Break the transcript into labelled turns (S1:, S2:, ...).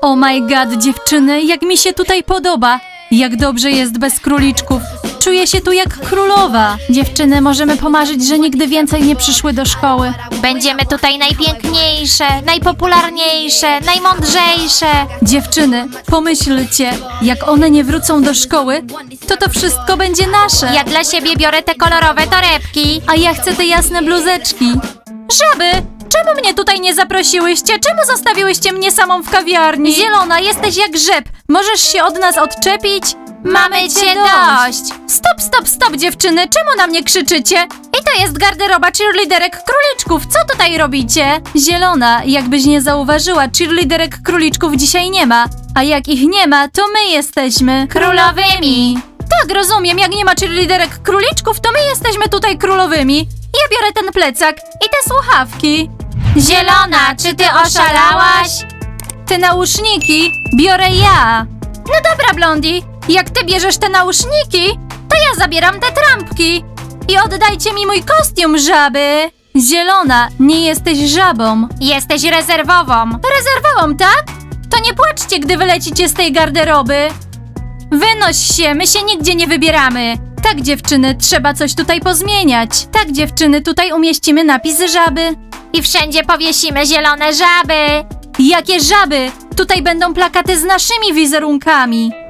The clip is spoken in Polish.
S1: Oh my god, dziewczyny, jak mi się tutaj podoba. Jak dobrze jest bez króliczków. Czuję się tu jak królowa. Dziewczyny, możemy pomarzyć, że nigdy więcej nie przyszły do szkoły.
S2: Będziemy tutaj najpiękniejsze, najpopularniejsze, najmądrzejsze.
S1: Dziewczyny, pomyślcie, jak one nie wrócą do szkoły, to wszystko będzie nasze.
S2: Ja dla siebie biorę te kolorowe torebki.
S1: A ja chcę te jasne bluzeczki. Żaby, czemu mnie tutaj nie zaprosiłyście? Czemu zostawiłyście mnie samą w kawiarni? Zielona, jesteś jak grzyb. Możesz się od nas odczepić?
S2: Mamy cię dość.
S1: Stop, dziewczyny, czemu na mnie krzyczycie? I to jest garderoba cheerleaderek króliczków, co tutaj robicie? Zielona, jakbyś nie zauważyła, cheerleaderek króliczków dzisiaj nie ma. A jak ich nie ma, to my jesteśmy
S2: Królowymi.
S1: Tak, rozumiem, jak nie ma cheerleaderek króliczków, to my jesteśmy tutaj królowymi. Ja biorę ten plecak i te słuchawki.
S2: Zielona, czy ty oszalałaś?
S1: Te nauszniki biorę ja. No dobra, Blondie, jak ty bierzesz te nauszniki, to ja zabieram te trampki. I oddajcie mi mój kostium, żaby. Zielona, nie jesteś żabą.
S2: Jesteś rezerwową.
S1: Rezerwową, tak? To nie płaczcie, gdy wylecicie z tej garderoby. Wynoś się, my się nigdzie nie wybieramy. Tak, dziewczyny, trzeba coś tutaj pozmieniać. Tak, dziewczyny, tutaj umieścimy napis żaby.
S2: I wszędzie powiesimy zielone żaby.
S1: Jakie żaby? Tutaj będą plakaty z naszymi wizerunkami.